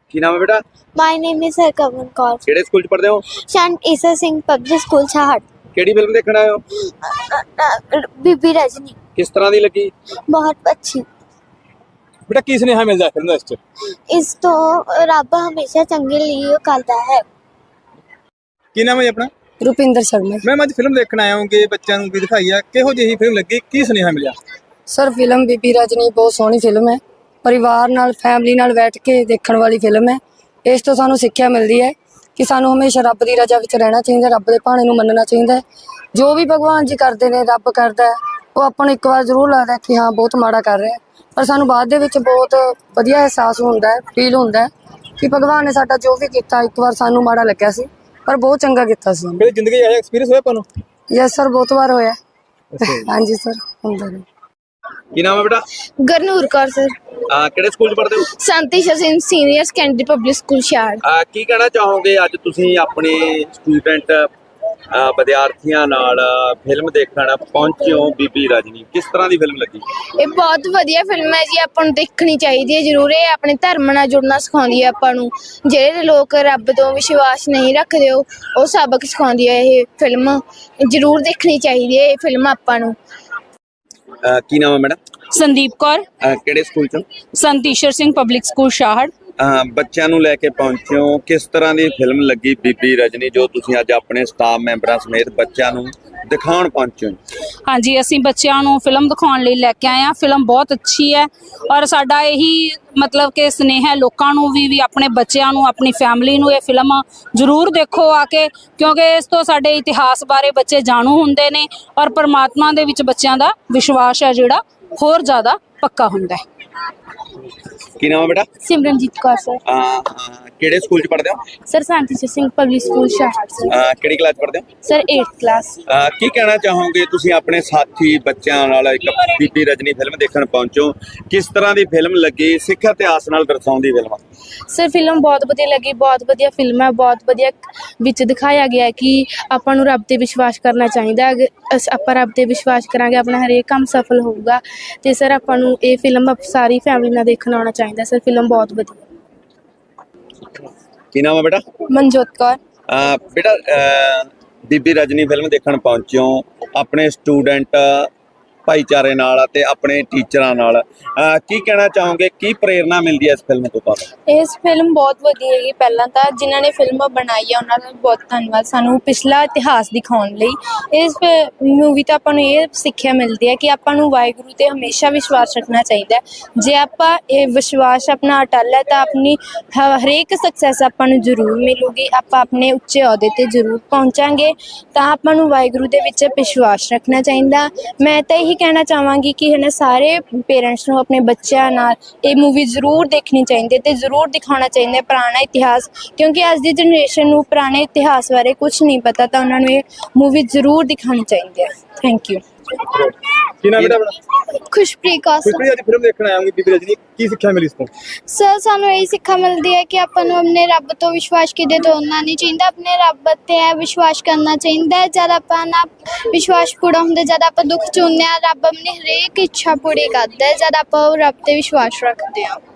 ਕੀ ਨਾਮ ਹੈ ਬੇਟਾ? My name is Harkavan Kaur. ਕਿਹੜੇ ਸਕੂਲ ਚ ਪੜ੍ਹਦੇ ਹੋ? Sant Issa Singh Public School Chahad. ਕਿਹੜੀ ਫਿਲਮ ਦੇਖਣ ਆਏ ਹੋ? बीबी रजनी ਕਿਸ ਤਰ੍ਹਾਂ ਦੀ ਲੱਗੀ? बहुत अच्छी। बेटा की स्नेहा मिलता है फिल्म दे विच? इस तो रब हमेशा चंगे लिए करता है। की नाम है जी अपना? रुपिंदर शर्मा। मैं आज फिल्म देखण आया हूं कि बच्चों ਨੂੰ भी दिखाई है किहो ਜਿਹੀ फिल्म लगी की स्नेहा मिलिया? सर फिल्म बीबी रजनी बहुत सोहनी फिल्म है, परिवार नाल फैमिली नाल बैठ के देखण वाली फिल्म है। इस तो सानू सिक्ख्या मिलती है कि सानू हमेशा रब की रजा विच रहना चाहिए, रब के भाणे नू मनना चाहिए। जो भी भगवान जी करते हैं रब करता है, वो आपां नू एक बार जरूर लगता है कि हाँ बहुत माड़ा कर रहे हैं, पर सानू बाद दे विच बहुत वधिया एहसास होंदा है, फील होंदा है कि भगवान ने साडा जो भी कीता एक बार सानू माड़ा लग्या सी पर बहुत चंगा कीता सी। मेरी जिंदगी ऐसा एक्सपीरियंस होया पानो? यस सर बहुत बार होया। हाँ जी सर हुंदा है। ਕੀ ਨਾਮ ਹੈ ਬੇਟਾ? गरनूर कौर सर। ਕਿਹੜੇ ਸਕੂਲ ਚ ਪੜ੍ਹਦੇ ਹੋ? Sant Issa Singh Senior Secondary Public School Chahad. ਕੀ ਕਹਿਣਾ ਚਾਹੋਗੇ ਅੱਜ ਤੁਸੀਂ ਆਪਣੇ ਸਟੂਡੈਂਟ ਵਿਦਿਆਰਥੀਆਂ ਨਾਲ ਫਿਲਮ ਦੇਖਣ ਪਹੁੰਚੇ ਹੋ ਬੀਬੀ ਰਜਨੀ, ਕਿਸ ਤਰ੍ਹਾਂ ਦੀ ਫਿਲਮ ਲੱਗੀ? ਇਹ ਬਹੁਤ ਵਧੀਆ ਫਿਲਮ ਹੈ ਜੀ, ਆਪਾਂ ਨੂੰ ਦੇਖਣੀ ਚਾਹੀਦੀ ਹੈ ਜ਼ਰੂਰ। ਇਹ ਆਪਣੇ ਧਰਮ ਨਾਲ ਜੁੜਨਾ ਸਿਖਾਉਂਦੀ ਹੈ ਆਪਾਂ ਨੂੰ। ਜਿਹੜੇ ਲੋਕ ਰੱਬ ਤੋਂ ਵਿਸ਼ਵਾਸ ਨਹੀਂ ਰੱਖਦੇ ਉਹ ਸਬਕ ਸਿਖਾਉਂਦੀ ਹੈ ਇਹ ਫਿਲਮ। ਜ਼ਰੂਰ ਦੇਖਣੀ ਚਾਹੀਦੀ ਹੈ ਇਹ ਫਿਲਮ ਆਪਾਂ ਨੂੰ। ਕੀ ਨਾਮ ਹੈ ਮੈਡਮ? ਸੰਦੀਪ ਕੌਰ, ਕਿਹੜੇ ਸਕੂਲ ਚ? Sant Ishar Singh public school Shahar. ਬੱਚਿਆਂ ਨੂੰ ਲੈ ਕੇ ਪਹੁੰਚੇ ਹੋ, ਕਿਸ ਤਰ੍ਹਾਂ ਦੀ ਫਿਲਮ ਲੱਗੀ ਬੀਬੀ ਰਜਨੀ ਜੋ ਤੁਸੀਂ ਅੱਜ ਆਪਣੇ ਸਟਾਫ ਮੈਂਬਰਾਂ ਸਮੇਤ ਬੱਚਿਆਂ ਨੂੰ ਦਿਖਾਉਣ ਪਹੁੰਚੇ ਹੋ? ਹਾਂਜੀ, ਅਸੀਂ ਬੱਚਿਆਂ ਨੂੰ ਫਿਲਮ ਦਿਖਾਉਣ ਲਈ ਲੈ ਕੇ ਆਏ ਹਾਂ। ਫਿਲਮ ਬਹੁਤ ਅੱਛੀ ਹੈ ਔਰ ਸਾਡਾ ਇਹੀ ਮਤਲਬ ਕਿ ਸਨੇਹ ਹੈ ਲੋਕਾਂ ਨੂੰ ਵੀ ਆਪਣੇ ਬੱਚਿਆਂ ਨੂੰ, ਆਪਣੀ ਫੈਮਿਲੀ ਨੂੰ ਇਹ ਫਿਲਮ ਜ਼ਰੂਰ ਦੇਖੋ ਆ ਕੇ, ਕਿਉਂਕਿ ਇਸ ਤੋਂ ਸਾਡੇ ਇਤਿਹਾਸ ਬਾਰੇ ਬੱਚੇ ਜਾਣੂ ਹੁੰਦੇ ਨੇ ਔਰ ਪਰਮਾਤਮਾ ਦੇ ਵਿੱਚ ਬੱਚਿਆਂ ਦਾ ਵਿਸ਼ਵਾਸ ਹੈ ਜਿਹੜਾ ਹੋਰ ਜ਼ਿਆਦਾ ਪੱਕਾ ਹੁੰਦਾ ਹੈ। ਕੀ ਨਾਮ ਹੈ ਬੇਟਾ? ਸਿਮਰਨਜੀਤ ਕੌਰ ਸਰ। ਕਿਹੜੇ ਸਕੂਲ ਚ ਪੜ੍ਹਦੇ ਹੋ? Sir Sant Issa Singh Public School Chahad ਕਿਹੜੀ ਕਲਾਸ ਪੜ੍ਹਦੇ ਹੋ? Sir 8th class. ਕੀ ਕਹਿਣਾ ਚਾਹੋਗੇ ਤੁਸੀਂ ਆਪਣੇ ਸਾਥੀ ਬੱਚਿਆਂ ਨਾਲ ਇੱਕ ਬੀਬੀ ਰਜਨੀ ਫਿਲਮ ਦੇਖਣ ਪਹੁੰਚੋ, ਕਿਸ ਤਰ੍ਹਾਂ ਦੀ ਫਿਲਮ ਲੱਗੀ? ਸਿੱਖ ਇਤਿਹਾਸ ਨਾਲ ਦਰਸਾਉਂਦੀ ਫਿਲਮ। ਸਰ ਫਿਲਮ ਬਹੁਤ ਵਧੀਆ ਲੱਗੀ, ਬਹੁਤ ਵਧੀਆ ਫਿਲਮ ਹੈ। ਬਹੁਤ ਵਧੀਆ ਵਿੱਚ ਦਿਖਾਇਆ ਗਿਆ ਕਿ ਆਪਾਂ ਨੂੰ ਰੱਬ ਤੇ ਵਿਸ਼ਵਾਸ ਕਰਨਾ ਚਾਹੀਦਾ। ਆਪਾਂ ਰੱਬ ਤੇ ਵਿਸ਼ਵਾਸ ਕਰਾਂਗੇ ਆਪਣਾ ਹਰੇਕ ਕੰਮ ਸਫਲ ਹੋਊਗਾ। ਤੇ ਸਰ ਆਪਾਂ ਨੂੰ ਇਹ ਫਿਲਮ ਸਾਰੀ ਫੈਮਿਲੀ ਨਾਲ ਦੇਖਣ ਆਉਣਾ ਚਾਹੀਦਾ। ਸਰ ਫਿਲਮ ਬਹੁਤ ਵਧੀਆ। ਕੀ ਨਾਮ ਹੈ ਬੇਟਾ? मनजोत कौर। ਬੇਟਾ ਬੀਬੀ ਰਜਨੀ ਫਿਲਮ ਦੇਖਣ ਪਹੁੰਚੇ ਹੋ ਆਪਣੇ ਸਟੂਡੈਂਟ ਭਾਈਚਾਰੇ ਨਾਲ ਅਤੇ ਆਪਣੇ ਟੀਚਰਾਂ ਨਾਲ, ਕੀ ਕਹਿਣਾ ਚਾਹੋਗੇ? ਕੀ ਪ੍ਰੇਰਨਾ ਮਿਲਦੀ ਹੈ ਇਸ ਫਿਲਮ ਤੋਂ ਤੁਹਾਨੂੰ? ਇਸ ਫਿਲਮ ਬਹੁਤ ਵਧੀਆ ਹੈਗੀ। ਪਹਿਲਾਂ ਤਾਂ ਜਿਨ੍ਹਾਂ ਨੇ ਫਿਲਮ ਬਣਾਈ ਹੈ ਉਹਨਾਂ ਦਾ ਬਹੁਤ ਧੰਨਵਾਦ, ਸਾਨੂੰ ਪਿਛਲਾ ਇਤਿਹਾਸ ਦਿਖਾਉਣ ਲਈ। ਇਸ ਮੂਵੀ ਤੋਂ ਆਪਾਂ ਨੂੰ ਇਹ ਸਿੱਖਿਆ ਮਿਲਦੀ ਹੈ ਕਿ ਆਪਾਂ ਨੂੰ ਵਾਹਿਗੁਰੂ 'ਤੇ ਹਮੇਸ਼ਾ ਵਿਸ਼ਵਾਸ ਰੱਖਣਾ ਚਾਹੀਦਾ ਹੈ। ਜੇ ਆਪਾਂ ਇਹ ਵਿਸ਼ਵਾਸ ਆਪਣਾ ਅਟੱਲ ਹੈ ਤਾਂ ਆਪਣੀ ਹਰੇਕ ਸਕਸੈਸ ਆਪਾਂ ਨੂੰ ਜ਼ਰੂਰ ਮਿਲੂਗੀ। ਆਪਾਂ ਆਪਣੇ ਉੱਚੇ ਅਹੁਦੇ 'ਤੇ ਜ਼ਰੂਰ ਪਹੁੰਚਾਂਗੇ। ਤਾਂ ਆਪਾਂ ਨੂੰ ਵਾਹਿਗੁਰੂ ਦੇ ਵਿੱਚ ਵਿਸ਼ਵਾਸ ਰੱਖਣਾ ਚਾਹੀਦਾ। ਮੈਂ ਤਾਂ ਇਹੀ ਕਹਿਣਾ ਚਾਹਾਂਗੀ ਕਿ ਹੈ ਨਾ ਸਾਰੇ ਪੇਰੈਂਟਸ ਨੂੰ ਆਪਣੇ ਬੱਚਿਆਂ ਨਾਲ ਇਹ ਮੂਵੀ ਜ਼ਰੂਰ ਦੇਖਣੀ ਚਾਹੀਦੀ ਹੈ ਅਤੇ ਜ਼ਰੂਰ ਦਿਖਾਉਣਾ ਚਾਹੀਦਾ ਪੁਰਾਣਾ ਇਤਿਹਾਸ, ਕਿਉਂਕਿ ਅੱਜ ਦੀ ਜਨਰੇਸ਼ਨ ਨੂੰ ਪੁਰਾਣੇ ਇਤਿਹਾਸ ਬਾਰੇ ਕੁਝ ਨਹੀਂ ਪਤਾ। ਤਾਂ ਉਹਨਾਂ ਨੂੰ ਇਹ ਮੂਵੀ ਜ਼ਰੂਰ ਦਿਖਾਉਣੀ ਚਾਹੀਦੀ ਹੈ। Thank you. की नाम बेटा अपना? ਖੁਸ਼ਪ੍ਰੀਤ ਕੌਰ ਸਰ। आज फिल्म देखण आया हूं बीबी रजनी की सिक्ख्या मिली इस तो? ਸਰ ਸਾਨੂੰ ਇਹੀ ਸਿੱਖਿਆ ਮਿਲਦੀ ਹੈ ਕਿ ਆਪਾਂ ਨੂੰ ਆਪਣੇ ਰੱਬ ਤੋਂ ਵਿਸ਼ਵਾਸ ਕਿਤੇ ਤੋੜਨਾ ਨਹੀਂ ਚਾਹੀਦਾ। ਆਪਣੇ ਰੱਬ 'ਤੇ ਵਿਸ਼ਵਾਸ ਕਰਨਾ ਚਾਹੀਦਾ ਹੈ। ਜਦ ਆਪਾਂ ਨਾ ਵਿਸ਼ਵਾਸ ਪੂਰਾ ਹੁੰਦਾ, ਜਦ ਆਪਾਂ ਦੁੱਖ 'ਚ ਹੁੰਦੇ ਹਾਂ, ਰੱਬ ਆਪਣੀ ਹਰੇਕ ਇੱਛਾ ਪੂਰੀ ਕਰਦਾ ਹੈ ਜਦ ਆਪਾਂ ਉਹ ਰੱਬ 'ਤੇ ਵਿਸ਼ਵਾਸ ਰੱਖਦੇ ਹਾਂ।